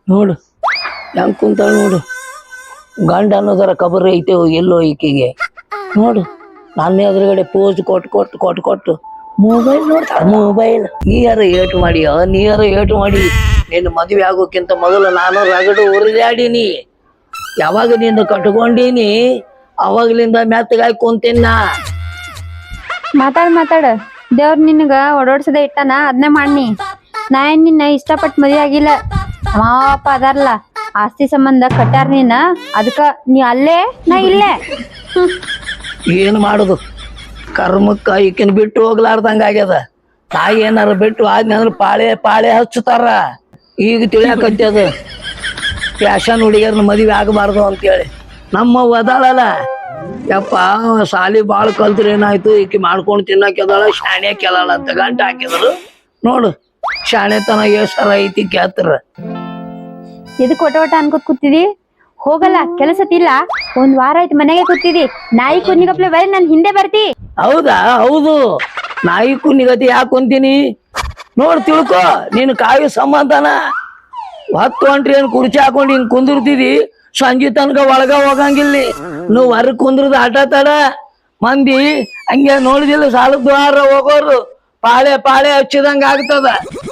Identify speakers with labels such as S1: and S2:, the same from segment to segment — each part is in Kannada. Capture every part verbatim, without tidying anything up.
S1: ನೋಡು ಹೆಂಗ್ ಕುಂತಾಳ ನೋಡು. ಗಂಡ ಅನ್ನೋದರ ಕಬರ್ ಐತೆ ಎಲ್ಲೋ ಈಕೆಗೆ ನೋಡು. ನನ್ನ ಎದುರುಗಡೆ ಪೋಸ್ ಕೊಟ್ಟು ಕೊಟ್ಟು ಕೊಟ್ಟು ಕೊಟ್ಟು ಮೊಬೈಲ್ ನೋಡ್ತಾಳ. ಮೊಬೈಲ್ ನೀರ ಏಟು ಮಾಡಿ ನೀರ ಏಟು ಮಾಡಿ ನಿನ್ನ ಮದುವೆ ಆಗೋಕ್ಕಿಂತ ಮೊದಲು ನಾನು ರಗಡು ಉರಿದಾಡೀನಿ. ಯಾವಾಗ ನಿನ್ನ ಕಟ್ಕೊಂಡೀನಿ ಅವಾಗ್ಲಿಂದ ಮೆತ್ತಗಾಗಿ ಕುಂತಿನ.
S2: ಮಾತಾಡ್ ಮಾತಾಡ ದೇವ್ರ ನಿನಗ ಓಡಾಡ್ಸದ ಇಟ್ಟಾನ ಅದನ್ನೇ ಮಾಡಿ. ನಾ ಏನ್ ನಿನ್ನ ಇಷ್ಟಪಟ್ಟು ಮದ್ವೆ ಆಗಿಲ್ಲ. ಮಾವಪ್ಪ ಅದಾರಲ್ಲ ಆಸ್ತಿ ಸಂಬಂಧ ಕಟ್ಟಾರ ನೀನ, ಅದಕ್ಕ ನೀ ಅಲ್ಲೇ ನಾ ಇಲ್ಲೇ.
S1: ಏನು ಮಾಡುದು ಕರ್ಮಕ್ಕ ಈಕಿನ ಬಿಟ್ಟು ಹೋಗ್ಲಾರ್ದಂಗ ಆಗ್ಯದ. ತಾಯಿ ಏನಾರ ಬಿಟ್ಟು ಆದ್ನಂದ್ರ ಪಾಳೆ ಪಾಳೆ ಹಚ್ಚುತ್ತಾರ. ಈಗ ತಿಳಿಯಾಕತ್ತದ ಫ್ಯಾಷನ್ ಹುಡುಗಿಯರ್ನ ಮದುವೆ ಆಗಬಾರ್ದು ಅಂತೇಳಿ. ನಮ್ಮ ಒದಾಳಲ್ಲ ಯಪ್ಪ ಸಾಲಿ ಬಾಳ್ ಕಲ್ತ್ರ ಏನಾಯ್ತು, ಈಕಿ ಮಾಡ್ಕೊಂಡು ತಿನ್ನಕ್ಕೆದಾಳ ಶಾಣೆ ಕೆದಾಳ ಅಂತ ಗಂಟ ಹಾಕಿದ್ರು. ನೋಡು ಶಾಣೆತನ ಎಷ್ಟರ ಐತಿ ಕೇಳ್ತಾರ.
S2: ಎದಕ್ ಒಟ ಒಟ ಅನ್ಕೋತ್ ಕೂತಿದಿ? ಹೋಗಲ್ಲ ಕೆಲಸತಿಲ್ಲ. ಒಂದ್ ವಾರ ಆಯ್ತು ಮನೆಗೆ ಕೂತಿದಿ. ನಾಯಿ ಕುನ್ನಿಗಪ್ಲೆ ಬರೀ ನನ್ ಹಿಂದೆ ಬರ್ತಿ.
S1: ಹೌದಾ? ಹೌದು, ನಾಯಿ ಕುನ್ನಿಗತಿ ಯಾಕೆ ಕುಂತೀನಿ ನೋಡ್ ತಿಳ್ಕೊ. ನೀನು ಕಾಯಿ ಸಂಬಂಧನ ಹತ್ತು ಹೊಂಟ್ರಿ ಏನ್ ಕುರ್ಚಿ ಹಾಕೊಂಡು ಹಿಂಗ್ ಕುಂದಿರ್ತಿದಿ, ಸಂಜೆ ತನಕ ಒಳಗ ಹೋಗಂಗಿಲ್ಲ. ನೀವು ಹೊರಗ್ ಕುಂದ್ರದ ಆಟ ತಡ ಮಂದಿ ಹಂಗೆ ನೋಡಿದಿಲ್ಲ ಸಾಲದ ದ್ವಾರ ಹೋಗೋರು ಪಾಳೆ ಪಾಳೆ ಹಚ್ಚಿದಂಗ ಆಗ್ತದ.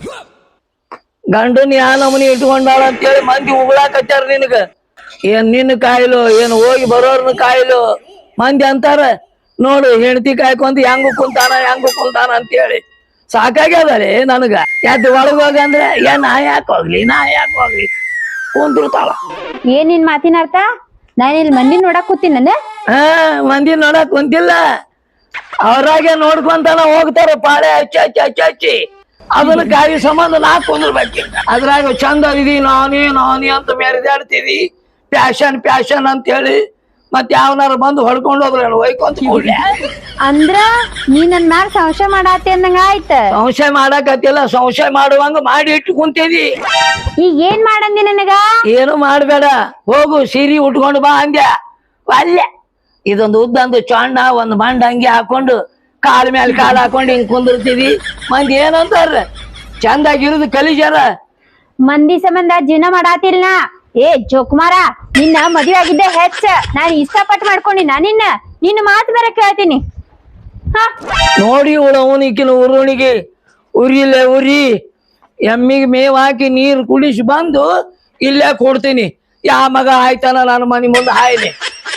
S1: ಗಂಡನ್ ಯಾ ನಮನಿ ಇಟ್ಕೊಂಡಾಳ ಅಂತೇಳಿ ಮಂದಿ ಉಗುಳಾಕತ್ತಾರ ನಿನಗ. ಏನ್ ನಿನ್ನ ಕಾಯಿಲು ಏನ್ ಹೋಗಿ ಬರೋರ್ನ ಕಾಯಿಲು ಮಂದಿ ಅಂತಾರ. ನೋಡು ಹೆಂಡತಿ ಕಾಯ್ಕೊಂತ ಹೆಂಗು ಕುಂತಾನ ಹೆಂಗು ಕುಂತಾನ ಅಂತೇಳಿ ಸಾಕಾಗ್ಯದರಿ ನನಗ. ಯಾತ್ ಒಳಗ ಹೋಗಂದ್ರೆ ಏನ್ ನಾ ಯಾಕೆ ಹೋಗ್ಲಿ ನಾ ಯಾಕೆ ಹೋಗ್ಲಿ ಕುಂತಿರ್ತಾಳ.
S2: ಏನ್ ನಿನ್ ಮಾತಿನ ಅರ್ಥ? ನಾನ್ ಇಲ್ಲಿ ಮಂದಿ ನೋಡಕ್ ಕೂತೀನಿ.
S1: ಹಾ ಮಂದಿ ನೋಡಕ್ ಕುಂತಿಲ್ಲ, ಅವ್ರಾಗೆ ನೋಡ್ಕೊಂತಾನ ಹೋಗ್ತಾರ ಪಾಳೆ ಹಚ್ಚಿ ಹಚ್ಚಿ ಹಚ್ಚಿ ಹಚ್ಚಿ. ಅದನ್ನ ಗಾಡಿ ಸಂಬಂಧ ನಾ ಕುಂದ್ರಬೇಕು. ಅದ್ರಾಗ ಚಂದ ಇದಿ ನಾನಿ ನಾನಿ ಅಂತ ಮೆರೆದಾಡ್ತಿದಿ ಪ್ಯಾಶನ್ ಪ್ಯಾಶನ್ ಅಂತ ಹೇಳಿ. ಮತ್ ಯಾವನಾರ ಬಂದು ಹೊಡ್ಕೊಂಡು ಹೋದ್ರ ಒಯ್ಕೊಂತ ಕೂಡ್ಲೆ.
S2: ಅಂದ್ರ ನೀ ನನ್ ಮ್ಯಾಲ ಸಂಶಯ ಮಾಡಾತಿ ಅಂದಂಗ ಆಯ್ತ.
S1: ಸಂಶಯ ಮಾಡಾಕತ್ತಿಲ್ಲ, ಸಂಶಯ ಮಾಡುವಂಗ ಮಾಡಿ ಇಟ್ಟು ಕುಂತಿದಿ.
S2: ಈಗ ಏನ್ ಮಾಡಂದಿ ನನಗ?
S1: ಏನು ಮಾಡ್ಬೇಡ, ಹೋಗು ಸೀರಿ ಉಟ್ಕೊಂಡು ಬಾ ಅಂದ್ಯ. ಅಲ್ಲೇ ಇದೊಂದು ಉದ್ದಂದು ಚೊಣ್ಣ ಒಂದ್ ಮಂಡ ಹಂಗೆ ಹಾಕೊಂಡು ಕಾಲ ಮೇಲೆ ಕಾಲ ಹಾಕೊಂಡು ಹಿಂಗ್ ಕುಂದಿರ್ತಿದಿ. ಮಂದಿ ಏನಂತಾರ ಚಂದಾಗಿರುದು ಕಲಿಜಾರ.
S2: ಮಂದಿ ಸಂಬಂಧ ಜೀವನ ಮಾಡಾತಿಲ್ಲ. ಏ ಜೋಕುಮಾರ, ನಿನ್ನ ಮದುವೆ ಆಗಿದ್ದೆ ಹೆಚ್ಚ. ನಾನ್ ಇಷ್ಟಪಟ್ಟು ಮಾಡ್ಕೊಂಡಿ ನಾ ನಿನ್ನ ನಿನ್ನ ಮಾತು ಬೇರೆ ಕೇಳ್ತೀನಿ. ಹ
S1: ನೋಡಿ ಉಳವನಿಕಿನ ಉರುಣಿಗೆ ಉರಿಲೆ ಉರಿ ಎಮ್ಮಿಗೆ ಮೇವ್ ಹಾಕಿ ನೀರು ಕುಡಿಸಿ ಬಂದು ಇಲ್ಲೇ ಕೊಡ್ತೀನಿ. ಯಾ ಮಗ ಆಯ್ತಾನ ನನ್ನ ಮನೆ ಮುಂದೆ ಹಾಯ್ಲಿ.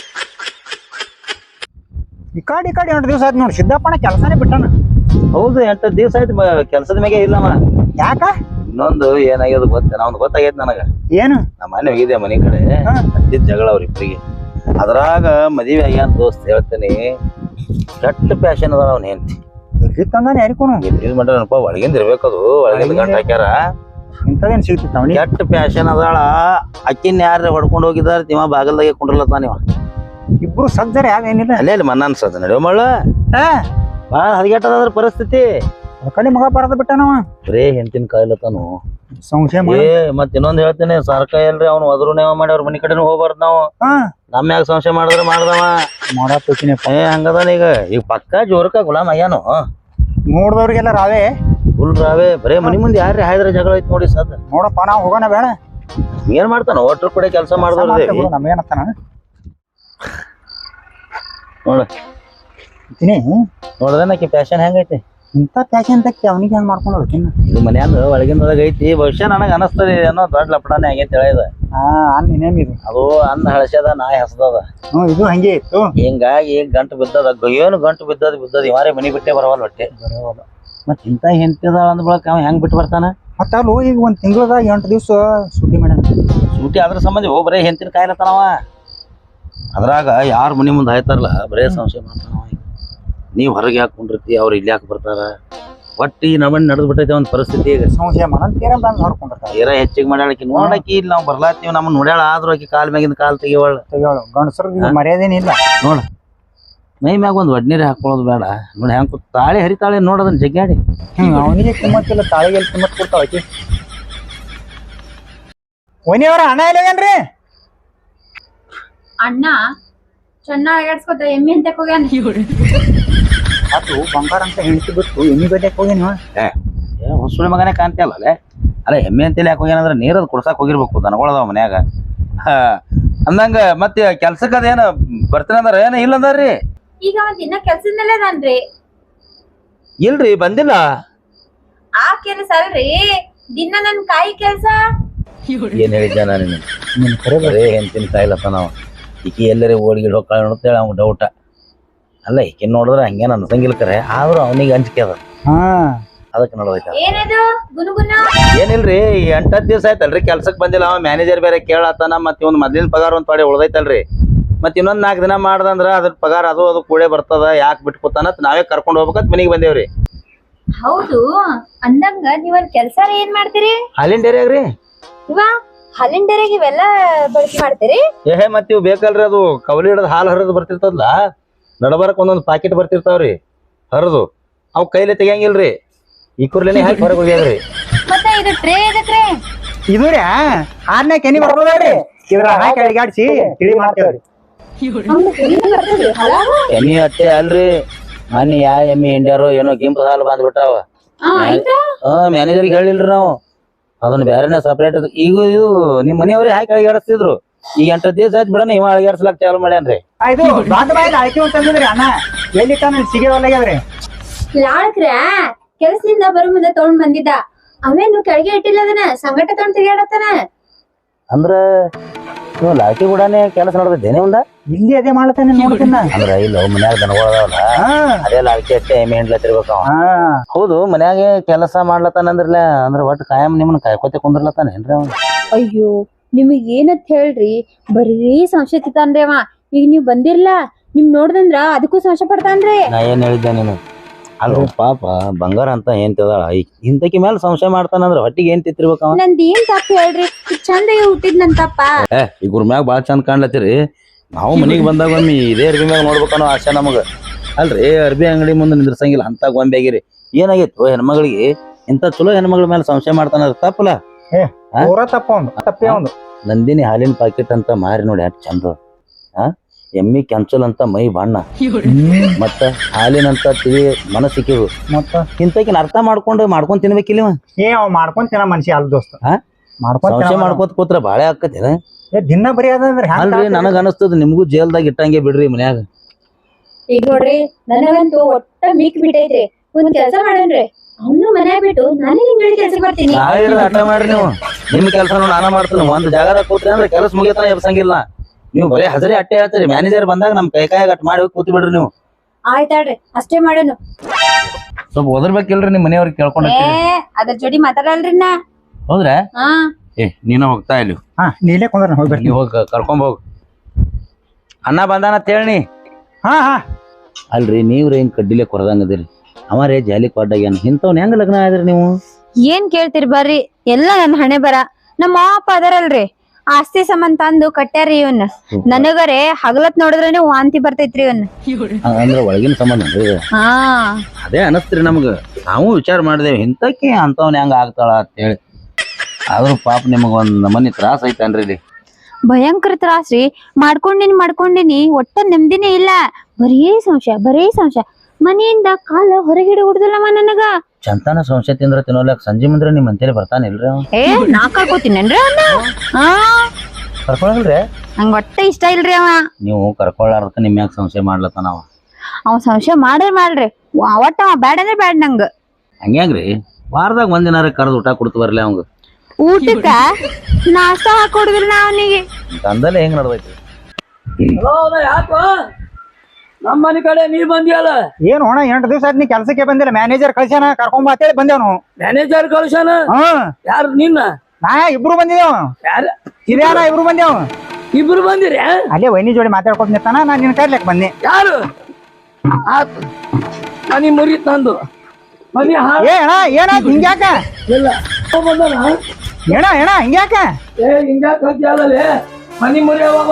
S3: ಈ ಕಾಡಿ ಕಾಡಿ ಎಂಟು ದಿವಸ ಆಯ್ತು ನೋಡಿ ಸಿದ್ದಪ್ಪನ ಕೆಲಸನೇ ಬಿಟ್ಟಾನ.
S4: ಹೌದು ಎಂಟು ದಿವಸ ಆಯ್ತು ಕೆಲ್ಸದ ಮ್ಯಾಗೆ ಇಲ್ಲಮ್ಮ.
S3: ಯಾಕ?
S4: ಇನ್ನೊಂದು ಏನಾಗ್ಯದ ಗೊತ್ತ, ನಾವ್ ಗೊತ್ತಾಗೈತ್ ನನಗ.
S3: ಏನು?
S4: ನಮ್ಮ ಮನೆ ಹೋಗಿದ್ದೆ ಮನೆ ಕಡೆ, ಹತ್ತಿದ್ ಜಗಳ ಅವ್ರಿಬ್ರಿಗೆ. ಅದ್ರಾಗ ಮದ್ವೆ ಆಗ್ಯಾನ ದೋಸ್ತ್ ಹೇಳ್ತೇನಿ, ಕೆಟ್ಟ ಪ್ಯಾಶನ್ ಅದಾಳ ಅವ್ನ ಹೆಂಡತಿ.
S3: ತಂದಾನೆ ಯಾರಿಗೂ
S4: ಯೂಸ್ ಮಾಡ್ಯಾನಪ್ಪ. ಒಳಗಿಂದ ಇರ್ಬೇಕದು, ಒಳಗಿಂದ ಗಂಟ ಹಾಕ್ಯಾರ.
S3: ಇಂಥದೇನ್ ಸಿಗ್ತಿತ್ತು ಅವನಿಗೆ?
S4: ಕೆಟ್ಟ ಪ್ಯಾಶನ್ ಅದಾಳ. ಅಕ್ಕಿನ ಯಾರ ಹೊಡ್ಕೊಂಡು ಹೋಗಿದಾರ ಇವ ಬಾಗಲ್ದಾಗೆ ಕುಂಡ್ರಲತ್ತಾನ. ಇವ
S3: ಇಬ್ರು ಸಜ್ಜರ ಯಾವೇನಿಲ್ಲ.
S4: ಅಲ್ಲೇ ಅಲ್ಲಿ ಮನ್ನ ಅನ್ಸದ ನಡೆಯೋ ಮಳ್ಳ. ಬಾಳ ಹದಗೆಟ್ಟದಾದ್ರ ಪರಿಸ್ಥಿತಿ.
S3: ಕಡೆ ಮಗ ಬರದ ಬಿಟ್ಟನವ.
S4: ಬರೇ ಹೆಂಡತಿನ ಕಾಯಿಲತ್ತಾನು
S3: ಸಂಶಯ.
S4: ಏ ಮತ್ ಇನ್ನೊಂದ್ ಹೇಳ್ತೇನೆ, ಸರ್ಕಾರ ಎಲ್ರಿ ಅವ್ನು ಅದ್ರು ನೇವ ಮಾಡಿ ಅವ್ರ ಮನಿ ಕಡೆನೂ ಹೋಗ್ಬಾರ್ದು ನಾವು. ನಮ್ಮ ಯಾಕೆ ಸಂಶಯ ಮಾಡಿದ್ರೆ ಮಾಡ್ದವ
S3: ಮಾಡಾತೀನಿ.
S4: ಏ ಹಂಗದಾನ ಈಗ. ಈಗ ಪಕ್ಕ ಜೋರ್ಕ ಗುಲಾಮ್ ಅಯ್ಯಾನು
S3: ನೋಡ್ದವ್ರಿಗೆಲ್ಲ ರಾವೇ
S4: ಫುಲ್ ರಾವೇ. ಬರೇ ಮನಿ ಮುಂದೆ ಯಾರ್ರಿ ಹಾಯ್ದ್ರ ಜಗಳ ಐತ್ ನೋಡಿ ಸದ್.
S3: ನೋಡಪ್ಪ ನಾವ್ ಹೋಗೋಣ ಬೇಡ.
S4: ಏನ್ ಮಾಡ್ತಾನ ಒಟ್ರ ಕೂಡ ಕೆಲಸ ಮಾಡಿದ್ರಿ
S3: ನಮ್ಗೇನತ್ತಾನ
S4: ನೋಡ. ನೋಡ್ದನಕಿ ಪ್ಯಾಶನ್ ಹೆಂಗೈತಿ.
S3: ಇಂಥ ಪ್ಯಾಶನ್ ತಕ್ಕಿ ಅವನಿಗೆ ಹೆಂಗ್ ಮಾಡ್ಕೊಂಡು ಹೋಗ್ತೀನಿ.
S4: ಇದು ಮನ್ಯಾಂದ ಒಳಗಿಂದೊಳಗ ಐತಿ. ಬಹುಶಃ ನನಗ ಅನಸ್ತದೆ ಏನೋ ದೊಡ್ಡ ಲಪಡಾನೆ ಆಗೈತಿ ಹೇಳಿದ.
S3: ಹಾ ಅನ್ನ ಇನ್ನೇನಿದು
S4: ಅದು ಅನ್ನ ಹಳಸ್ಯದ ನಾಯಿ ಹಸದದ.
S3: ಹ್ಮ್ ಇದು ಹಂಗೆ ಇತ್ತು.
S4: ಹಿಂಗಾಗಿ ಗಂಟು ಬಿದ್ದದ. ಏನು ಗಂಟು ಬಿದ್ದದ ಬಿದ್ದದ. ಇವಾರೇ ಮನಿ ಬಿಟ್ಟೆ ಬರವಲ್ಲ ಹೊಟ್ಟೆ. ಮತ್ ಇಂತ ಹೆಂಡತಿದಾಳ ಅಂದ ಬಳಕ ಅವ ಹೆಂಗ್ ಬಿಟ್ಟು ಬರ್ತಾನ?
S3: ಮತ್ತ ಅಲ್ಲೂ ಈಗ ಒಂದ್ ತಿಂಗಳದಾಗ ಎಂಟು ದಿವ್ಸ ಸೂಟಿ ಮಾಡ್ಯಾನ.
S4: ಸೂಟಿ ಅದ್ರ ಸಂಬಂಧ ಓ ಬರೇ ಹೆಂಡತಿನ ಕಾಯಿಲತ್ತಾನವ. ಅದ್ರಾಗ ಯಾರ ಮನಿ ಮುಂದೆ ಆಯ್ತಾರಲ್ಲ ಬರೇ ಸಂಶಯ ಮಾಡ್ತಾನವ. ನೀವ್ ಹೊರಗೆ ಹಾಕೊಂಡಿರ್ತಿ, ಅವ್ರು ಇಲ್ಲಿ ಯಾಕೆ ಬರ್ತಾರ? ಒಟ್ಟಿ ನಮ್ಮನ್ನ ನಡೆದ್ ಬಿಟ್ಟೈತೆ ಒಂದ್ ಪರಿಸ್ಥಿತಿ. ಈಗ
S3: ಸಂಶಯ ಮಾಡಂತೀರ ಬಂದ್ ಹೊರ್ಕೊಂಡಿರ್ತಾರ.
S4: ತೀರಾ ಹೆಚ್ಚಿಗೆ ಮಾಡ್ಯಾಳಕಿ. ನೋಡಕಿ ಇಲ್ಲಿ ನಾವ್ ಬರ್ಲಾತೀವಿ, ನಮ್ಮನ್ನ ನೋಡ್ಯಾಳ. ಆದ್ರೂ ಆಕಿ ಕಾಲ್ ಮ್ಯಾಗಿಂದ ಕಾಲ್ ತೆಗಿವಳ.
S3: ತೆಗಿವಳು ಗಂಡಸರ್ಗ ಮರ್ಯಾದೇನಿಲ್ಲ.
S4: ನೋಡ ಮೈ ಮ್ಯಾಗ ಒಂದ್ ಒಡ್ನೀರ್ ಹಾಕೊಳ್ಳೋದು ಬೇಡ. ನೋಡಿ ಹೆಂಗ್ ತಾಳಿ ಹರಿತಾಳೆ ನೋಡೋದನ್ನ ಜಗ್ಗಾಡಿ.
S3: ಹ್ಮ್ ಅವನಿಗೆ ಕಿಮ್ಮತ್ತಿಲ್ಲ, ತಾಳಿಗೆ ಎಲ್ಲಿ ಕಿಮ್ಮತ್ ಕೊಡ್ತಾಳ ಆಕಿ. ಒನಿಯವರ ಹಣ ಇಲ್ಲವೇನ್ರಿ?
S2: ಅಣ್ಣ ಚೆನ್ನಾಗಿ ಆಡ್ಸ್ಕೊತ ಎಮ್ಮೆ ಅಂತ ಹೋಗ್ಯಾನ.
S3: ಅದು ಬಂಗಾರ ಅಂತ ಹೆಂಡತಿ ಬಿಟ್ಟು ಎಮ್ಮಿ ಗಡ್ಡೆಕ್ ಹೋಗ್ಯಾನ.
S4: ಹೊಸುಳಿ ಮಗನೇ ಕಾಣ್ತಿಯಲ್ಲ. ಅಲ್ಲ ಎಮ್ಮೆ ಅಂತೇಳಿ ಯಾಕೆ ಹೋಗ್ಯಾನಂದ್ರ ನೀರದ್ ಕುಡ್ಸಾಕ್ ಹೋಗಿರ್ಬೇಕು ದನಗಳದಾವ ಮನ್ಯಾಗ. ಹಾ ಅಂದಂಗ ಮತ್ತೆ ಕೆಲ್ಸಕ್ಕ ಅದೇನ ಬರ್ತೀನಿ ಅಂದಾರ ಏನ ಇಲ್ಲ ಅಂದಾರ್ರಿ?
S2: ಈಗ ಒಂದ್ ದಿನ ಕೆಲ್ಸದ ಮೇಲೆ ಅದಾನ್ರಿ.
S4: ಇಲ್ರಿ ಬಂದಿಲ್ಲ.
S2: ಆ ಕೆಲ್ಸ ಅಲ್ರಿ, ದಿನ ನನ್ ಕಾಯಿ ಕೆಲ್ಸ.
S4: ಏನ್ ಹೇಳಿದ್ದೆ ನಾನು ಬರೇ ಹೆಂತಿನ ಕಾಯಿಲತ್ತ ನಾವು ಈಕಿ ಎಲ್ಲರೇ ಓಡಿಗಿಡ್ ಹೋಗ್ತಾಳ ನೋಡ್ತೇಳಿ ಅವ್ನ ಡೌಟ. ಅಲ್ಲ ಈಕಿನ್ ನೋಡಿದ್ರ ಹಂಗೇನ್ ಅನ್ಸಂಗಿಲ್ಲ ಕರೆ, ಆದ್ರೂ ಅವನಿಗೆ ಅಂಜಿಕೆ ಅದ.
S3: ಹಾ
S4: ಅದಕ್ಕೆ ನೋಡ್ಬೇಕ.
S2: ಏನದು ಗುನುಗುನ?
S4: ಏನಿಲ್ರಿ ಎಂಟತ್ತು ದಿವಸ ಆಯ್ತಲ್ರಿ ಕೆಲ್ಸಕ್ ಬಂದಿಲ್ಲ. ಅವ ಮ್ಯಾನೇಜರ್ ಬೇರೆ ಕೇಳತ್ತಾನ. ಮತ್ತೆ ಇವ್ನ ಮೊದ್ಲಿನ ಪಗಾರ ಒಂದ್ ಪಾಡಿ ಉಳ್ದೈತಲ್ರಿ. ಮತ್ ಇನ್ನೊಂದ್ ನಾಲ್ಕು ದಿನ ಮಾಡ್ದಂದ್ರ ಅದ್ರ ಪಗಾರ ಅದು ಅದು ಕೂಡೇ ಬರ್ತದ. ಯಾಕೆ ಬಿಟ್ಕೊತಾನ ನಾವೇ ಕರ್ಕೊಂಡ್ ಹೋಗ್ಬೇಕಂತ ಮನಿಗ್ ಬಂದೇವ್ರಿ.
S2: ಹೌದು ಅಂದಂಗ ನೀವೊಂದ್ ಕೆಲ್ಸ ಏನ್ ಮಾಡ್ತೀರಿ?
S4: ಹಾಲಿನ ಡೇರಿಯಾಗ್ರಿ.
S2: ಇವ ಹಾಲಿನ ಡೇರಿಯಾಗ ಇವೆಲ್ಲ ಬಳಕೆ ಮಾಡ್ತೀರಿ?
S4: ಏಹೇ ಮತ್ ಇವ್ ಬೇಕಲ್ರಿ, ಅದು ಕವಲಿ ಹಿಡದ್ ಹಾಲು ಹರಿದು ಬರ್ತಿರ್ತದಲ್ಲ, ನಡಬರಕ್ ಒಂದೊಂದ್ ಪಾಕೆಟ್ ಬರ್ತಿರ್ತಾವ್ರಿ ಹರಿದು. ಅವ್ ಕೈಲಿ ತೆಗಿಯಂಗಿಲ್ರಿ, ಈ ಕುರ್ಲೇನೆ ಹಾಕಿ ಹೊರಗೆ ಹೋಗ್ಯಾದ್ರಿ.
S2: ಮತ್ತೆ ಇದು ಟ್ರೇ ಇದಕ್ರೆ
S3: ಇದು ರೀ ಆರ್ನೇ ಕೆನಿ ಬರ್ಬೋದ್ರಿ. ಇದ್ರ ಹಾಕಿ ಅಡಿಗಾಡ್ಸಿ ತಿಳಿ ಮಾಡ್ತೇವ್ರಿ.
S4: ಎಮ್ಮಿ ಅಟ್ಟೆ ಅಲ್ರಿ, ಮನಿ ಯಾ ಎಮ್ಮಿ ಹಿಂಡ್ಯಾರೋ ಏನೋ ಗಿಂಪ ಹಾಲು ಬಂದ್ಬಿಟ್ಟಾವ. ಹಾ ಮ್ಯಾನೇಜರ್ಗೆ ಹೇಳಿಲ್ರಿ ನಾವು, ಅದನ್ನ ಬೇರೆನೆ ಸಪ್ರೇಟ್. ಈಗ ಇದು ನಿಮ್ ಮನೆಯವ್ರೆ ಹಾಕಿ ಅಳಿಗಾಡಿಸ್ತಿದ್ರು. ಈಗ ಎಂಟು ದಿವಸ ಆಯ್ತು ಬಿಡಣ ಇವ ಅಳಿಗಾಡ್ಸ್ಲಾಕ್ ಚಾಲು ಮಾಡ್ಯಾನ್ರಿ.
S3: ಇದು ದೊಡ್ಡ ಬಾಯಿಲ್ ಅಳಕೆ ಅಂತಂದಿದ್ರಿ ಅಣ್ಣ, ಎಲ್ಲಿ ತಾನ ಸಿಗಿ ಒಲ್ಲಾಗ್ಯದ್ರಿ.
S2: ಲಾಳ್ಕ್ರ ಕೆಲ್ಸದಿಂದ ಬರೋ ಮುಂದೆ ತಗೊಂಡ್ ಬಂದಿದ್ದ, ಅವೇನು ಕೆಳಗೆ ಇಟ್ಟಿಲ್ಲ ಅದನ್ನ ಸಂಗಟ ತಗೊಂಡ್ ತಿರ್ಗಾಡತ್ತಾನ.
S4: ಅಂದ್ರ ನೀವು ಲಾಕಿ ಕೂಡಾನೆ ಕೆಲಸ ನಡೆದಿದ್ದೇನೆ ಒಂದ
S3: ಇಲ್ಲಿ ಅದೇ ಮಾಡ್ತಾನೆ ನೋಡ್ತೀನ.
S4: ಅಂದ್ರ ಇಲ್ಲ ಮನ್ಯಾಗ ದನಗಳದಾವಲ್ಲ, ಅದೇ ಲಾಕಿ ಅಷ್ಟೇ ಎಮ್ಮೆ ಹಿಂಡ್ಲತ್ತಿರ್ಬೇಕ. ಹೌದು ಮನ್ಯಾಗ ಕೆಲಸ ಮಾಡ್ಲತ್ತಾನಂದ್ರಲ್ಲ, ಅಂದ್ರ ಒಟ್ಟು ಕಾಯಂ ನಿಮ್ಮನ್ನ ಕಾಯ್ಕೋತೆ ಕುಂದ್ರಲತ್ತಾನ ಏನ್ರಿ ಅವ?
S2: ಅಯ್ಯೋ ನಿಮಗ್ ಏನಂತ ಹೇಳ್ರಿ, ಬರೀ ಸಂಶಯ ತಿತ್ತಾನ್ರಿ ಅವ. ಈಗ ನೀವ್ ಬಂದಿರ್ಲ, ನಿಮ್ ನೋಡ್ದಂದ್ರ ಅದಕ್ಕೂ ಸಂಶಯ ಪಡ್ತಾನ್ರಿ.
S4: ನಾ ಏನ್ ಹೇಳಿದ್ದೆ ನೀನು? ಅಲ್ಲ ಪಾಪ ಬಂಗಾರ ಅಂತ ಏನ್ ತಿದಾಳ, ಇಂತಕಿ ಮೇಲೆ ಸಂಶಯ ಮಾಡ್ತಾನಂದ್ರ ಹೊಟ್ಟಿಗೆ ಏನ್ ತಿತ್ತಿರ್ಬೇಕ ಅವ?
S2: ನಂದ್ ಏನ್ ತಪ್ಪ ಹೇಳ್ರಿ, ಚಂದ ಹುಟ್ಟಿದ್ ನನ್ ತಪ್ಪ.
S4: ಏ ಈ ಗುರ್ ಮ್ಯಾಗ ಬಾಳ ಚಂದ ಕಾಣ್ಲತ್ತೀರಿ. ನಾವು ಮನಿಗ್ ಬಂದಾಗ ಒಮ್ಮೆ ಇದೇ ಅರ್ಬಿ ಮ್ಯಾಗ ನೋಡ್ಬೇಕನ್ನೋ ಆಸೆ ನಮಗ. ಅಲ್ರಿ ಅರ್ಬಿ ಅಂಗಡಿ ಮುಂದೆ ನಿಂದ್ರಸಂಗಿಲ್ಲ ಅಂತ ಗೊಂಬೆ ಆಗಿರಿ. ಏನಾಗಿತ್ತು ಹೆಣ್ಮಗಳಿಗೆ ಇಂತ ಚಲೋ ಹೆಣ್ಮಗಳ ಮೇಲೆ ಸಂಶಯ ಮಾಡ್ತಾನ, ತಪ್ಪಲ್ಲ?
S3: ಪೂರ ತಪ್ಪ ಒಂದು ತಪ್ಪೇ ಒಂದು.
S4: ನಂದಿನಿ ಹಾಲಿನ ಪಾಕೆಟ್ ಅಂತ ಮಾರಿ ನೋಡಿ ಯಾಕೆ ಚಂದ. ಆ ಎಮ್ಮಿ ಕೆಂಚಲ್ ಅಂತ ಮೈ ಬಣ್ಣ, ಮತ್ತ ಹಾಲಿನಂತ ತಿಳಿ ಮನಸ್ಸಿಕ್ಕಿವು. ಮತ್ತ ಇಂತಕಿನ ಅರ್ಥ ಮಾಡ್ಕೊಂಡು ಮಾಡ್ಕೊಂಡ್ ತಿನ್ಬೇಕಿಲ್ಲ.
S3: ಏ ಅವ್ ಮಾಡ್ಕೊಂಡ್ ತಿನ್ನ ಮನುಷ್ಯ ಅಲ್ ದೋಸ್ತ.
S4: ಸಂಶಯ ಮಾಡ್ಕೋತ ಕೂತ್ರ ಬಾಳೆ ಆಕತೇನ?
S3: ದಿನ ಬರೀ ಅದಂದ್ರೆ
S4: ಅಲ್ರಿ ನನಗ ಅನಸ್ತದ ನಿಮ್ಗೂ ಜೇಲ್ದಾಗ ಇಟ್ಟಂಗೆ ಬಿಡ್ರಿ ಮನ್ಯಾಗ.
S2: ಈಗ ನೋಡ್ರಿ ನನಗಂತೂ ಒಟ್ಟ ಮೀಕ್ ಬಿಟ್ಟೈತ್ರಿ. ಒಂದ್ ಕೆಲ್ಸ ಮಾಡನ್ರಿ, ಅವ್ನು ಮನ್ಯಾಗ ಬಿಟ್ಟು ನಾನೇ ನಿಮ್ ಜೋಡಿ ಕೆಲ್ಸ ಮಾಡ್ತೀನಿ.
S4: ಆಟ ಮಾಡ್ರಿ ನೀವು, ನಿಮ್ ಕೆಲ್ಸ ನೋಡಿ ನಾನ ಮಾಡ್ತೀನಿ. ಒಂದ್ ಜಾಗದಾಗ ಕೂತ್ರಿ ಅಂದ್ರೆ ಕೆಲಸ ಮುಗಿತಾನ ಎಬ್ಸಂಗಿಲ್ಲ. ನೀವು ಬರೀ ಹಜರಿ ಅಟ್ಟೆ ಹೇಳ್ತೀರಿ. ಮ್ಯಾನೇಜರ್ ಬಂದಾಗ ನಮ್ ಕೈ ಕಾಯಾಗ ಅಟ್ ಮಾಡಿ ಕೂತ್ ಬಿಡ್ರಿ ನೀವು.
S2: ಆಯ್ತಾಳ್ರಿ ಅಷ್ಟೇ ಮಾಡೋನು.
S4: ಸ್ವಲ್ಪ ಓದರ್ಬೇಕಿಲ್ರಿ ನಿಮ್ ಮನೆಯವ್ರಿಗೆ ಕೇಳ್ಕೊಂಡ್
S2: ಏ ಅದ್ರ ಜೋಡಿ ಮಾತಾಡಲ್ರಿ ನಾ.
S4: ಹೌದ್ರಾ?
S2: ಹಾ
S4: ಏ ನೀನ ಹೋಗ್ತಾ ಇಲ್ಲಿ.
S3: ಹಾ ನೀಲೇ ಕುಂದ್ರ ಹೋಗಿ ಬರ್ತೀನಿ.
S4: ನೀವ್ ಹೋಗ ಕರ್ಕೊಂಡ್ ಹೋಗ್. ಅಣ್ಣ ಬಂದಾನ ಹೇಳಿ.
S3: ಹಾ ಹಾ
S4: ಅಲ್ರಿ ನೀವ್ರಿ ಹಿಂಗ್ ಕಡ್ಡಿಲೆ ಕೊರದಂಗದಿರಿ, ಅವರೇ ಜಾಲಿ ಕೊಡ್ಡಾಗ್ಯಾನ. ಇಂಥವ್ನ ಹೆಂಗ್ ಲಗ್ನ ಆದ್ರಿ ನೀವು?
S2: ಏನ್ ಕೇಳ್ತೀರಿ ಬರ್ರಿ, ಎಲ್ಲ ನನ್ ಹಣೆ ಬರ. ನಮ್ಮ ಅಪ್ಪ ಅದರಲ್ರಿ ಆಸ್ತಿ ಸಂಬಂಧ ತಂದು ಕಟ್ಟ್ಯಾರಿ ಇವನ್. ನನಗರೆ ಹಗಲತ್ ನೋಡಿದ್ರೇನೆ ವಾಂತಿ ಬರ್ತೈತ್ರಿ ಇವನ್.
S4: ಅಂದ್ರ ಒಳಗಿನ ಸಂಬಂಧ
S2: ಹಾ
S4: ಅದೇ ಅನಸ್ತ್ರಿ ನಮ್ಗ. ನಾವು ವಿಚಾರ ಮಾಡಿದೇವಿ ಇಂತಕ್ಕೆ ಅಂತವ್ನ ಹೆಂಗ ಆಗ್ತಾಳ ಅಂತ ಹೇಳಿ. ಆದ್ರೂ ಪಾಪ ನಿಮಗ ಒಂದ್ ನಮನಿ ತ್ರಾಸ ಐತನ್ರಿ ಇಲ್ಲಿ.
S2: ಭಯಂಕರ ತ್ರಾಸ್ರಿ. ಮಾಡ್ಕೊಂಡಿನಿ ಮಾಡ್ಕೊಂಡಿನಿ ಒಟ್ಟ ನೆಮ್ಮದಿನೇ ಇಲ್ಲ. ಬರೀ ಸಂಶಯ ಬರೀ ಸಂಶಯ. ಮನೆಯಿಂದ ಕಾಲ ಹೊರಗಿಡ ಹುಡುದಲ್ಲಮ್ಮ ನನಗ.
S4: ಚಂತಾನ ಸಂಶಯ ತಿಂದ್ರ ತಿನ್ನೋಲ್ಯಾಕ ಸಂಜೆ ಮುಂದ್ರೆ ನಿಮ್ ಅಂತೇಳಿ ಬರ್ತಾನ ಇಲ್ರಿ ಅವ?
S2: ಏ ನಾ ಕರ್ಕೋತೀನೇನ್ರಿ ಅವನ್ನ? ಹಾ
S4: ಕರ್ಕೊಳಲ್ರಿ?
S2: ನಂಗ ಒಟ್ಟ ಇಷ್ಟ ಇಲ್ರಿ ಅವ.
S4: ನೀವು ಕರ್ಕೊಳ್ಳಾರ್ದಕ್ಕ ನಿಮ್ ಯಾಕೆ ಸಂಶಯ ಮಾಡ್ಲತ್ತಾನ ಅವ?
S2: ಅವ ಸಂಶಯ ಮಾಡ್ರಿ ಮಾಡ್ರಿ, ಒಟ್ಟ ಅವ ಬ್ಯಾಡ ಅಂದ್ರೆ ಬ್ಯಾಡ ನಂಗ.
S4: ಹಂಗ್ಯಾಂಗ್ರಿ? ವಾರದಾಗ ಒಂದಿನಾರ ಕರ್ದು ಊಟ ಕೊಡ್ತು ಬರ್ಲಿ ಅವಂಗ.
S2: ಊಟಕ್ಕ ನಾಷ್ಟಾ ಹಾಕೊಡುದಿಲ್ಲ ನಾ ಅವನಿಗೆ.
S4: ತಂದಲ್ಲೇ ಹೆಂಗ್ ನಡ್ದೈತಿ?
S1: ಯಾಕ ನಮ್ಮ ಮನೆ ಕಡೆ ನೀ ಬಂದಿಯಲ್ಲ?
S3: ಏನು ಅಣ್ಣ ಎಂಟು ದಿವಸ ಆಯ್ತು ನೀ ಕೆಲ್ಸಕ್ಕೆ ಬಂದಿಲ್ಲ. ಮ್ಯಾನೇಜರ್ ಕಳ್ಸ್ಯಾನ, ಕರ್ಕೊಂಡ್ ಬಾ ಅಂತೇಳಿ ಬಂದೇವ್ನು.
S1: ಮ್ಯಾನೇಜರ್ ಕಳ್ಸ್ಯಾನ?
S3: ಹ್ಮ್
S1: ಯಾರು ನಿನ್ನ?
S3: ನಾ ಇಬ್ರು ಬಂದಿದ್ದೇವ.
S1: ಯಾರ?
S3: ಹಿರಿಯಾನ ಇಬ್ರು ಬಂದೇವ್.
S1: ಇಬ್ರು ಬಂದಿರಿ?
S3: ಅಲ್ಲೇ ವೈನಿ ಜೋಡಿ ಮಾತಾಡ್ಕೊಂಡ್ ನಿಂತಾನ, ನಾನ್ ನಿನ್ ಕರ್ಲಿಕ್ ಬಂದೆ.
S1: ಯಾರು? ಆತು ಮನಿ ಮುರಿತ್ ನಂದು. ಮನಿ
S3: ಏ ಅಣ್ಣ ಏನಾಯ್ತು ಹಿಂಗ್ಯಾಕ?
S1: ಇಲ್ಲ ಬಂದನ
S3: ಏಣ ಏಣ ಹಿಂಗ್ಯಾಕ?
S1: ಏ ಹಿಂಗ್ಯಾಕ ಹೇಳ್ತಿಯಲ್ಲ? ಮನಿ ಮುರಿಯವ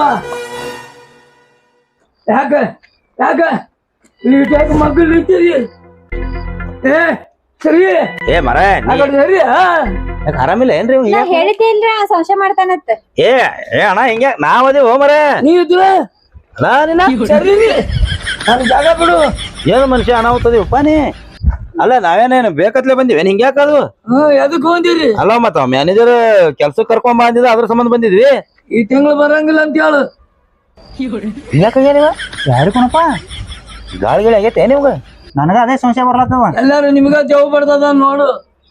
S1: ಯಾಕ ಯಾಕ ಈಟಾಗ ಮಗ್ಳು ಇರ್ತೀರಿ? ಏ ಸರಿ
S4: ಏ ಮರ
S1: ಸರಿ.
S4: ಆರಾಮಿಲ್ಲ ಏನ್ರಿ?
S2: ನಾ ಹೇಳಿದ್ದೆ ಇಲ್ರಿ ಆ ಸಂಶಯ ಮಾಡ್ತಾನತ್ತ.
S4: ಏ ಏ ಅಣ್ಣ ಹಿಂಗ್ಯಾ ನಾವ್ ಅದೇ ಹೋ ಮರ.
S1: ನೀವ್ ಇದ್ರ
S4: ನಾನಿನ
S1: ಸರಿ ನನ್ ಜಾಗ ಬಿಡು.
S4: ಏನು ಮನುಷ್ಯ ಅನಾಹುತದಿವಪ್ಪ ನೀ? ಅಲ್ಲ ನಾವೇನೇನು ಬೇಕತ್ಲೆ ಬಂದಿವಿ ಹಿಂಗ್ಯಾಕದು
S1: ಹ್ಮ್ ಎದಕ್ ಬಂದಿರಿ?
S4: ಅಲ್ಲ ಮತ್ತ ಮ್ಯಾನೇಜರ್ ಕೆಲ್ಸಕ್ಕೆ ಕರ್ಕೊಂಡ್ ಬಂದಿದ್ದ ಅದ್ರ ಸಂಬಂಧ ಬಂದಿದ್ವಿ.
S1: ಈ ತಿಂಗಳು ಬರಂಗಿಲ್ಲ ಅಂತ ಹೇಳು.
S3: ಯಾಕಾಗ್ಯಾನಿವ ಯಾರು ಕಣಪ್ಪ
S4: ಗಾಳಿ ಗಿಳಿ ಆಗೈತೆ ನಿಮ್ಗ?
S3: ನನಗ ಅದೇ ಸಂಶಯ ಬರ್ಲತ್ತವ.
S1: ಎಲ್ಲಾರು ನಿಮ್ಗ ದೇವ್ ಬರ್ತದ ನೋಡು.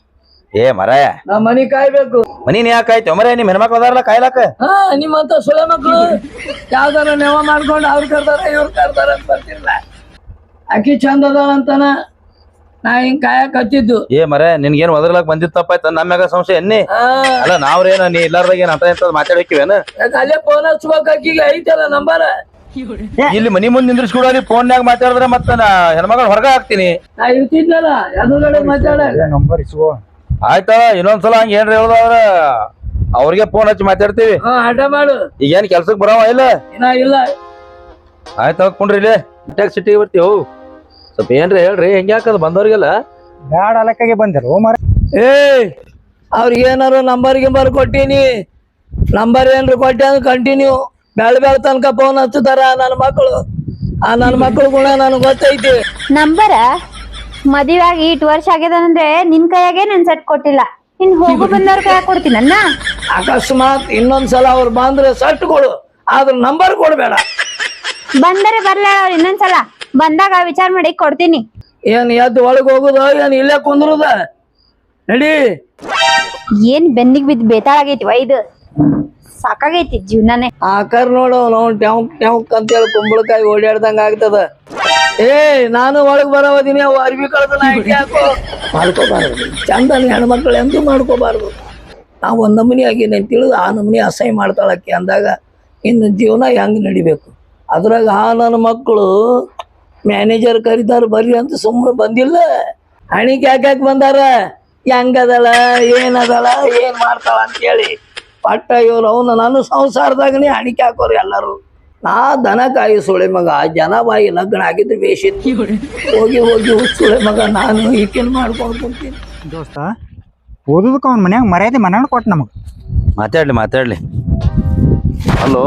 S4: ಏ ಮರಾಯ
S1: ನಾ ಮನಿ ಕಾಯ್ಬೇಕು.
S4: ಮನಿ ನೀ ಯಾಕೆ ಆಯ್ತು ಮರ ನಿಮ್ ಹೆಣ್ಮಕ್ಳು ಅದಾರಲ್ಲ ಕಾಯ್ಲಾಕ.
S1: ಹಾ ನಿಮ್ಮಂತ ಸುಳೆ ಮಕ್ಳು ಯಾವ್ದಾರ ನೆವ ಮಾಡ್ಕೊಂಡು ಅವ್ರು ಕರ್ದಾರ ಇವ್ರು ಕರ್ದಾರ ಅಂತ ಬರ್ತಿರ್ಲ. ಅಕ್ಕಿ ಚಂದ ಅದಾಳ ಅಂತಾನ ನಾ ಹಿಂಗ್ ಕಾಯಕ್ ಹತ್ತಿದ್ದು.
S4: ಏ ಮರ ನಿನ್ಗೇನ್ ಒದರ್ಲಾಕ್ ಬಂದಿತ್ತಪ್ಪಾಯ್ತ ನಮ್ಯಾಗ ಸಂಶಯ ಎನ್ನಿ.
S1: ಹಾ
S4: ಅಲ್ಲ ನಾವ್ರೇನ ನೀ ಇಲ್ಲಾರ್ದಾಗ ಏನ್ ಅಂತ ಎಂತ ಮಾತಾಡಕ್ಕಿವೇನ?
S1: ಯಾಕ್ ಅಲ್ಲೇ ಫೋನ್ ಹಚ್ಬೇಕು, ಅಕ್ಕಿಗೆ ಐತಲ್ಲ ನಂಬರ್.
S4: ಇಲ್ಲಿ ಮನಿ ಮುಂದ್ ನಿಂದ್ರಿಸ್ಕೊಡಲಿ ಫೋನ್ಯಾಗ ಮಾತಾಡಿದ್ರೆ ಮತ್ತ ನಾ ಹೆಣ್ಮಗಳು ಹೊರಗ ಹಾಕ್ತೀನಿ.
S1: ನಾ ಇರ್ತಿದ್ನಲ್ಲ ಎದುರುಗಡೆ ಮಾತಾಡ.
S3: ನಂಬರ್ ಇಸ್ಕೋ.
S4: ಆಯ್ತಾ ಇನ್ನೊಂದ್ಸಲ ಹಂಗ ಏನ್ರ ಹೇಳ್ದವ್ರ ಅವ್ರಿಗೆ ಫೋನ್ ಹಚ್ಚಿ ಮಾತಾಡ್ತೀವಿ.
S1: ಹಾ ಆಟ ಮಾಡು.
S4: ಈಗೇನ್ ಕೆಲ್ಸಕ್ ಬರವ ಇಲ್ಲ?
S1: ಇನ್ನ ಇಲ್ಲ.
S4: ಆಯ್ತು ಹೋಗ್ಕೊಂಡ್ರಿ ಇಲ್ಲಿ ಟ್ಯಾಕ್ ಸಿಟಿಗೆ ಬರ್ತೀವಿ. ಸ್ವಲ್ಪ ಏನ್ರಿ ಹೇಳ್ರಿ ಹೆಂಗ್ಯಾಕದ ಬಂದವ್ರಿಗೆಲ್ಲ?
S3: ಬ್ಯಾಡ ಅಲಕ್ಕಾಗೆ ಬಂದಿರು ಮರ.
S1: ಏ ಅವ್ರಿಗೆ ಏನಾರು ನಂಬರ್ ಗಿಂಬರ್ ಕೊಟ್ಟಿನಿ, ನಂಬರ್ ಏನ್ರ ಕೊಟ್ಟಿ ಅಂದ್ರೆ ಕಂಟಿನ್ಯೂ ಬೆಳ ಬೆಳ ತನಕ ಫೋನ್ ಹಚ್ಚುತ್ತಾರ ನನ್ನ ಮಕ್ಕಳು. ಆ ನನ್ನ ಮಕ್ಕಳು ಗುಣ ನನಗೆ ಗೊತ್ತೈತಿ.
S2: ನಂಬರ ಮದುವೆ ಆಗಿ ಇಟ್ಟು ವರ್ಷ ಆಗ್ಯದಂದ್ರೆ ನಿನ್ ಕೈಯಾಗೆ ನನ್ ಸೆಟ್ ಕೊಟ್ಟಿಲ್ಲ, ಇನ್ ಹೋಗು ಬಂದವ್ರ ಕೈಯಾಗ ಕೊಡ್ತೀನನ್ನ.
S1: ಅಕಸ್ಮಾತ್ ಇನ್ನೊಂದ್ಸಲ ಅವ್ರು ಬಂದ್ರೆ ಸಟ್ ಕೊಡು, ಆದ್ರ ನಂಬರ್ ಕೊಡ್ಬೇಡ.
S2: ಬಂದರೆ ಬರ್ಲ ಅವ್ರು ಇನ್ನೊಂದ್ಸಲ ಬಂದಾಗ ವಿಚಾರ ಮಾಡಿ ಕೊಡ್ತೀನಿ.
S1: ಏನ್ ಎದ್ದು ಒಳಗ್ ಹೋಗುದ ಏನ್ ಇಲ್ಲೇ ಕುಂದ್ರುದ? ನಡಿ.
S2: ಏನ್ ಬೆನ್ನಿಗ್ ಬಿದ್ದು ಬೇತಾಳಾಗೈತಿ ಇದು, ಸಾಕಾಗೈತಿ ಜೀವನಾನೇ.
S1: ಆಕರ್ ನೋಡು ನಾವು ಟ್ಯಾಂಕ್ ಟ್ಯಾಂಕ್ ಅಂತೇಳಿ ಕುಂಬಳಕಾಯಿ ಓಡಾಡ್ದಂಗ ಆಗ್ತದ. ಏ ನಾನು ಒಳಗ್ ಬರೋದಿನಿ, ಅವು ಅರ್ಬಿ ಕಳ್ದ ಯಾಕೋ ಮಾಡ್ಕೋಬಾರ್ದು. ಚಂದನ ಹೆಣ್ಮಕ್ಳು ಎಂದೂ ಮಾಡ್ಕೋಬಾರ್ದು. ನಾವು ಒಂದ್ ನಮೂನಿ ಆಗಿನ ತಿಳಿದು ಆ ನಮೂನಿ ಅಸಹ್ಯ ಮಾಡ್ತಾಳಕ್ಕೆ ಅಂದಾಗ ಇನ್ನು ಜೀವನ ಹೆಂಗ್ ನಡಿಬೇಕು? ಅದ್ರಾಗ ಆ ನನ್ನ ಮಕ್ಕಳು ಮ್ಯಾನೇಜರ್ ಕರೀತಾರ ಬರ್ರಿ ಅಂತ ಸುಮ್ಮನೆ ಬಂದಿಲ್ಲ. ಹಣಿಗೆ ಯಾಕ್ಯಾಕೆ ಬಂದಾರ? ಹೆಂಗದಳ ಏನದಳ ಏನ್ ಮಾಡ್ತಾಳ ಅಂತೇಳಿ ಪಟ್ಟ ಇವ್ರು ಅವನು ನನ್ನ ಸಂಸಾರದಾಗನೇ ಹಣಿಕೆ ಹಾಕೋರು ಎಲ್ಲರೂ. ನಾ ದನ ಕಾಯಿ ಸುಳೆ ಮಗ, ಜನ ಬಾಯಿ ಲಗ್ನ ಆಗಿದ್ರೆ ಬೇಸಿತ್ತು. ಹೋಗಿ ಹೋಗಿ ಸುಳೆ ಮಗ ನಾನು ಈಕೆನ್ ಮಾಡ್ಕೊಂಡು ಕುಂತೀನಿ.
S3: ದೋಸ್ತ ಓದೋದಕ್ಕೆ ಅವ್ನ ಮನ್ಯಾಗ ಮರ್ಯಾದೆ ಮನಾಣ ಕೊಟ್ಟು ನಮಗ್.
S4: ಮಾತಾಡ್ಲಿ ಮಾತಾಡ್ಲಿ ಅಲ್ಲೋ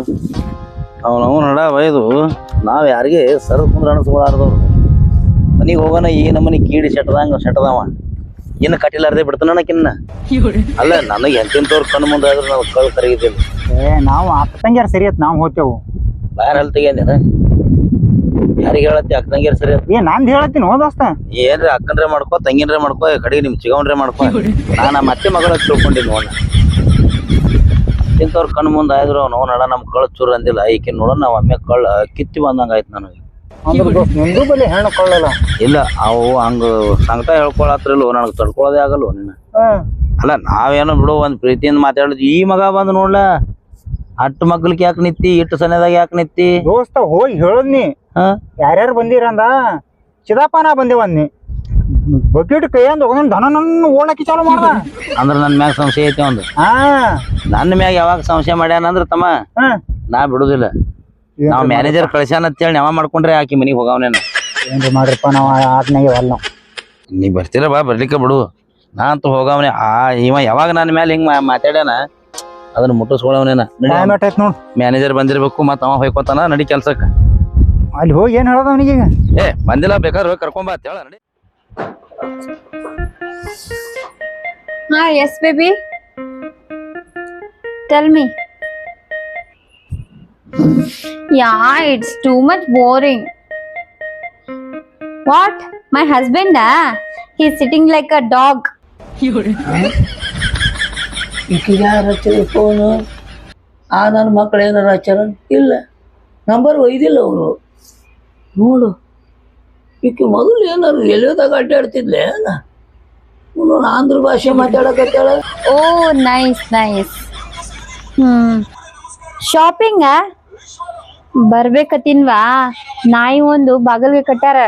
S4: ಅವನವ್ ನಡ ಒಯ್ದು ನಾವ್ ಯಾರಿಗೆ ಸರ್ ಕುಂದ್ರ ಅನಿಸ್ಕೊಳಾರ್ದವ್ರು ಮನಿಗೆ ಹೋಗೋಣ ಈ ನಮ್ಮನಿ ಕೀಡಿ ಸೆಟ್ಟದಂಗ ಸೆಟ್ಟದವ ಇನ್ನು ಕಟ್ಟಿಲಾರ್ದೆ ಬಿಡ್ತಾನಕಿನ್ನ. ಅಲ್ಲ ನನಗೆ ಎಂತೆಂತವ್ರು ಕಣ್ಣು ಮುಂದೆ ಆದ್ರೆ ನಾವು ಕಳ್ ಕರಗಿದ್ದಿಲ್ಲ.
S3: ಏ ನಾವು ಅಕ್ಕ ತಂಗ್ಯಾರ ಸರಿ ಆತ್ ನಾವು ಹೋಗ್ತೇವು.
S4: ಯಾರು ಅಲ್ಲಿ ತೆಗಿಯಂದೇನ? ಯಾರಿಗೆ ಹೇಳತ್ತಿ ಅಕ್ಕ ತಂಗಿಯರ್ ಸರಿ
S3: ಏ ನಾನ್ ಹೇಳತ್ತೀನಿ ಹೋ ದೋಸ್ತ.
S4: ಏನ್ರಿ ಅಕ್ಕನ್ರೆ ಮಾಡ್ಕೋ ತಂಗಿನ್ರೆ ಮಾಡ್ಕೋ ಕಡೆಗೆ ನಿಮ್ ಚಿಗವನ್ರೆ ಮಾಡ್ಕೋ. ನಾನು ಮತ್ತೆ ಮಗಳ ತಿಳ್ಕೊಂಡಿನಿ ನೋಡ. ಇಂಥವ್ರ ಕಣ್ಣು ಮುಂದೆ ಆಯ್ದ್ರು ಅವ್ನು ನಡ ನಮ್ ಕಳ್ಳ ಚೂರ್ ಅಂದಿಲ್ಲ. ಈಕೆ ನೋಡ ನಾವ್ ಒಮ್ಮೆ ಕಳ್ಳ ಕಿತ್ತಿ ಬಂದಂಗ ಆಯ್ತು ನನಗೆ.
S3: ಅಂದ್ರೆ ದೋಸ್ತ ನಿಂದು ಬಲ್ಲಿ ಹೆಣ್ಣು ಕೊಳ್ಳಲ್ಲ.
S4: ಇಲ್ಲ ಅವು ಹಂಗ ಸಂಕಟ ಹೇಳ್ಕೊಳತ್ರಿಲ್ಲ ನನಗೆ ತಡ್ಕೊಳೋದೇ ಆಗಲ್ವ ನಿನ್ನ. ಅಲ್ಲ ನಾವೇನೋ ಬಿಡು ಒಂದ್ ಪ್ರೀತಿಯಿಂದ ಮಾತಾಡಿದ್ವಿ. ಈ ಮಗ ಬಂದ್ ನೋಡ್ಲ ಅಟ್ಟು ಮಗ್ಲಿಕ್ ಯಾಕೆ ನಿತ್ತಿ, ಇಟ್ಟು ಸನೇದಾಗ ಯಾಕೆ ನಿತ್ತಿ?
S3: ದೋಸ್ತ ಹೋಗಿ ಹೇಳದ್ನಿ ಯಾರ್ಯಾರು ಬಂದಿರಂದ ಚಿದಾಪನ ಬಂದೇವನ್ನಿ ಬಕೆಟ್ ಕೈಯಂದ ಹೋಗೋದ್ ದನ ನನ್ನ ಓಡಾಕಿ ಚಾಲು ಮಾಡ್ದ.
S4: ಅಂದ್ರ ನನ್ ಮ್ಯಾಗ ಸಂಶಯ ಐತಿ ಒಂದು.
S3: ಹಾ
S4: ನನ್ನ ಮ್ಯಾಗ ಯಾವಾಗ ಸಂಶಯ ಮಾಡ್ಯಾನಂದ್ರ ತಮ್ಮ ನಾ ಬಿಡುದಿಲ್ಲ. ನಾವ್ ಮ್ಯಾನೇಜರ್ ಕಳ್ಸ್ಯಾನ ಅಂತೇಳಿ ನಾವ ಮಾಡ್ಕೊಂಡ್ರೆ ಆಕಿ ಮನಿಗ್ ಹೋಗವನೇನ.
S3: ಏನ್ರಿ ಮಾಡ್ರಿಪ್ಪ ನಾವ್ ಆತ್ನಾಗೆ ಅಲ್ಲ.
S4: ನೀ ಬರ್ತೀರ ಬಾ ಬರ್ಲಿಕ್ಕೆ ಬಿಡು, ನಾ ಅಂತೂ ಹೋಗವನೆ. ಆ ಇವ ಯಾವಾಗ ನನ್ನ ಮ್ಯಾಲ ಹಿಂಗ್ ಮಾತಾಡ್ಯಾನ ಅದನ್ನ ಮುಟ್ಟಿಸ್ಕೊಳವನೇನ.
S3: ನೋಡ್
S4: ಮ್ಯಾನೇಜರ್ ಬಂದಿರ್ಬೇಕು ಮತ್ತ ಅವ ಹೋಯ್ಕೋತಾನ ನಡಿ ಕೆಲ್ಸಕ್ಕ.
S3: ಅಲ್ಲಿ ಹೋಗಿ ಏನ್ ಹೇಳೋದ ಅವನಿಗೆ?
S4: ಏ ಬಂದಿಲ್ಲ ಬೇಕಾದ್ರೆ ಹೋಗಿ ಕರ್ಕೊಂಬ ಅಂತ ಹೇಳ ನಡಿ.
S2: ಹಾ yes baby tell me. Yeah, it's too much boring. What? My husband, ah? He's sitting like a dog.
S1: ಈಕಿಗೆ ಯಾರು ಹಚ್ಚಿದ ಫೋನು? ಆ ನನ್ನ ಮಕ್ಳು ಏನಾರು ಹಚ್ಚಾರ? ಇಲ್ಲ, ನಂಬರ್ ಒಯ್ದಿಲ್ಲ ಅವರು. ನೋಡು ಈಕೆ ಮೊದಲು ಏನಾರು ಎಲ್ಲಿಯೋದಾಗ ಅಡ್ಡಾಡ್ತಿದ್ಲೆ ನಾನು ಆಂಧ್ರ ಭಾಷೆ ಮಾತಾಡಕತ್ತಾಳ.
S2: Oh, nice, nice. Hmm. Shopping ಬರ್ಬೇಕತ್ತಿನ್ವಾ? ನಾಯಿ ಒಂದು ಬಾಗಲ್ಗೆ ಕಟ್ಟಾರ.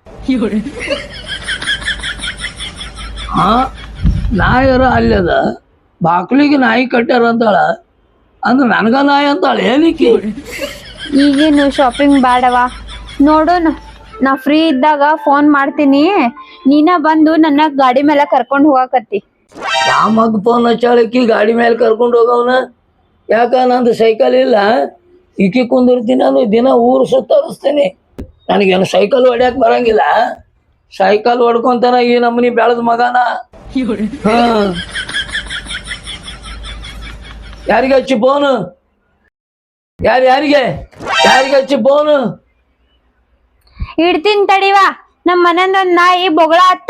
S1: ಹಾ ನಾಯರ ಅಲ್ಲದ ಬಾಕ್ಲಿಗೆ ನಾಯಿ ಕಟ್ಟಾರ ಅಂತಾಳ ಅಂದ್ರೆ ನನಗ ನಾಯಿ ಅಂತಾಳ ಏನಕ್ಕೆ?
S2: ಈಗೇನು ಶಾಪಿಂಗ್ ಬೇಡವಾ? ನೋಡೋಣ, ನಾ ಫ್ರೀ ಇದ್ದಾಗ ಫೋನ್ ಮಾಡ್ತೀನಿ, ನೀನ ಬಂದು ನನ್ನ ಗಾಡಿ ಮೇಲೆ ಕರ್ಕೊಂಡು ಹೋಗಾಕತ್ತಿ.
S1: ಯಾವ ಮಗ ಫೋನ್ ಹಚ್ಚಾಳಕ್ಕಿ ಗಾಡಿ ಮೇಲೆ ಕರ್ಕೊಂಡು ಹೋಗವನ? ಯಾಕ ನಂದು ಸೈಕಲ್ ಇಲ್ಲ, ಈಕಿ ಕುಂದಿರ್ತೀನಿ ನಾನು ದಿನ ಊರು ಸುತ್ತರಿಸ್ತೀನಿ. ನನಗೇನು ಸೈಕಲ್ ಹೊಡ್ಯಾಕ ಬರಂಗಿಲ್ಲ. ಸೈಕಲ್ ಹೊಡ್ಕೊಂತಾನ ಈ ನಮ್ಮನಿ ಬೆಳೆದ ಮಗನ. ಹಾ ಯಾರಿಗೆ ಹಚ್ಚಿ ಫೋನು? ಯಾರು ಯಾರಿಗೆ ಯಾರಿಗೆ ಹಚ್ಚಿ ಫೋನು?
S2: ಇಡ್ತೀನಿ ತಡಿವಾ, ನಮ್ ಮನಂದ ಒಂದ್ ನಾಯಿ ಬೊಗಳ ಹತ್ತ.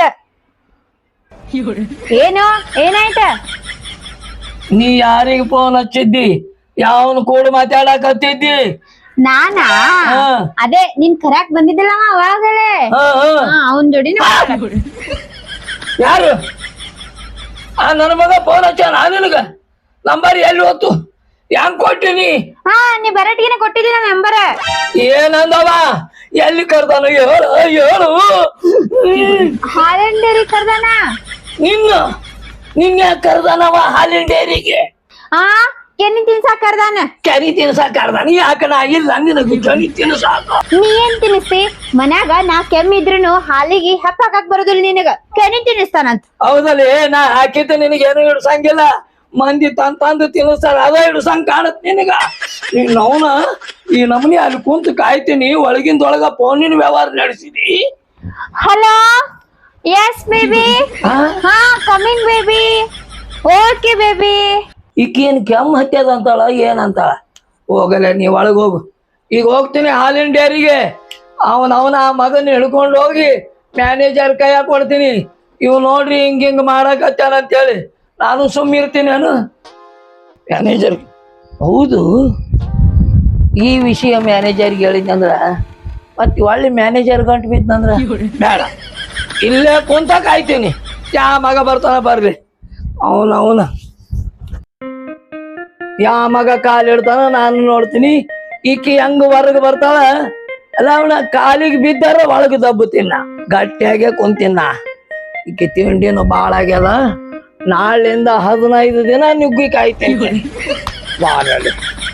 S2: ಏನು ಏನಾಯ್ತ?
S1: ನೀ ಯಾರಿಗೆ ಫೋನ್ ಹಚ್ಚಿದ್ದಿ? ಯಾವನು ಕೂಡ ಮಾತಾಡಕತ್ತಿದ್ದಿ?
S2: ನಾನಾ?
S1: ಹಾ.
S2: ಅದೇ ನಿನ್ ಕರ್ಯಾಕ್ ಬಂದಿದ್ದಲ್ಲವ ಅವಾಗಲೇ,
S1: ಹಾ, ಹಾ.
S2: ಅವನ್ ಜೋಡಿನ.
S1: ಯಾರು? ಆ ನನ್ನ ಮಗ ಫೋನ್ ಹಚ್ಚ ನಾನು ನಿನಗ ನಂಬರ್ ಎಲ್ಲಿ ಹೋತು? ಹೆಂಗ್ ಕೊಟ್ಟಿನಿ?
S2: ಹಾ ನೀ ಬರಟಿಗೆನೆ ಕೊಟ್ಟಿದ್ದೀನ ನಂಬರ್.
S1: ಏನಂದವ? ಎಲ್ಲಿ ಕರ್ದಾನು ಹೇಳು ಹೇಳು.
S2: ಹಾಲಿನ ಡೇರಿ ಕರ್ದಾನ.
S1: ನಿನ್ನ ನಿನ್ನ ಕರ್ದಾನವ ಹಾಲಿನ ಡೇರಿಗೆ?
S2: ಹಾ ಕೆನಿ ತಿನ್ಸಾಕ್ ಕರ್ದಾನ.
S1: ಕೆರಿ ತಿನ್ಸಾಕ ಕರ್ದಾನ? ಯಾಕ ನಾ ಇಲ್ಲ ನಿನಗೆ ಕೆರಿ ತಿನ್ಸಾಕ?
S2: ನೀ ಏನ್ ತಿನ್ನಿಸ್ತಿ? ಮನ್ಯಾಗ ನಾ ಕೆಮ್ಮಿದ್ರುನು ಹಾಲಿಗೆ ಹಪ್ಪ ಹಾಕಕ್ ಬರೋದಿಲ್ಲ ನಿನಗ, ಕೆನಿ ತಿನ್ನಿಸ್ತಾನಂತ.
S1: ಹೌದಲ್ಲಿ ನಾ ಹಾಕಿದ್ದೆ ನಿನಗೇನು ಹಿಡ್ಸಂಗಿಲ್ಲ. ಮಂದಿ ತಂದ್ ತಂದು ತಿನ್ನಿಸ್ತಾರ, ಅದ ಹಿಡ್ಸಂಗ್ ಕಾಣತ್ ನಿನಗ. ಅವನ ಈ ನಮನಿ ಅಲ್ಲಿ ಕುಂತು ಕಾಯ್ತೀನಿ, ಒಳಗಿಂದೊಳಗ ಫೋನಿನ ವ್ಯವಹಾರ ನಡೆಸಿದಿ.
S2: Hello, yes baby. ಹಾ ಕಮಿಂಗ್ ಬೇಬಿ. Okay baby.
S1: ಈಕೇನ್ ಕೆಮ್ಮ ಹತ್ಯದ ಅಂತಾಳ ಏನಂತಾಳ? ಹೋಗಲ್ಲ ನೀ ಒಳಗ್ ಹೋಗು. ಈಗ ಹೋಗ್ತೀನಿ ಹಾಲಿನ ಡೇರಿಗೆ. ಅವನ ಅವನ ಆ ಮಗನ ಹಿಡ್ಕೊಂಡು ಹೋಗಿ ಮ್ಯಾನೇಜರ್ ಕೈಯಾಗ ಕೊಡ್ತೀನಿ. ಇವ್ ನೋಡ್ರಿ ಹಿಂಗ ಹಿಂಗ ಮಾಡಕತ್ತಾನ ಅಂತೇಳಿ ನಾನು ಸುಮ್ಮನೆ ಇರ್ತೀನಿ. ನಾನು ಮ್ಯಾನೇಜರ್ ಹೌದು ಈ ವಿಷಯ ಮ್ಯಾನೇಜರ್ಗೆ ಹೇಳಿದ್ನಂದ್ರ ಮತ್ತೆ ಒಳ್ಳೆ ಮ್ಯಾನೇಜರ್ ಗಂಟು ಬಿದ್ದಂದ್ರ ಬೇಡ, ಇಲ್ಲೇ ಕುಂತ ಕಾಯ್ತೀನಿ. ಯಾ ಮಗ ಬರ್ತಾನ ಬರ್ಲಿ. ಅವನ ಅವನ ಯಾ ಮಗ ಕಾಲಿಡ್ತಾನ ನಾನು ನೋಡ್ತೀನಿ. ಈಕಿ ಹೆಂಗ ಹೊರಗೆ ಬರ್ತಾಳ ಅಲ್ಲ, ಅವನ ಕಾಲಿಗೆ ಬಿದ್ದಾರ ಒಳಗೆ ದಬ್ಬುತ್ತಿನ ಗಟ್ಟಿಯಾಗೆ ಕುಂತಿನ. ಈಕಿ ತಿಂಡಿನೂ ಭಾಳ ಆಗ್ಯದ. ನಾಳಿಂದ ಹದಿನೈದು ದಿನ ನುಗ್ಗಿ ಕಾಯ್ತೀನಿ.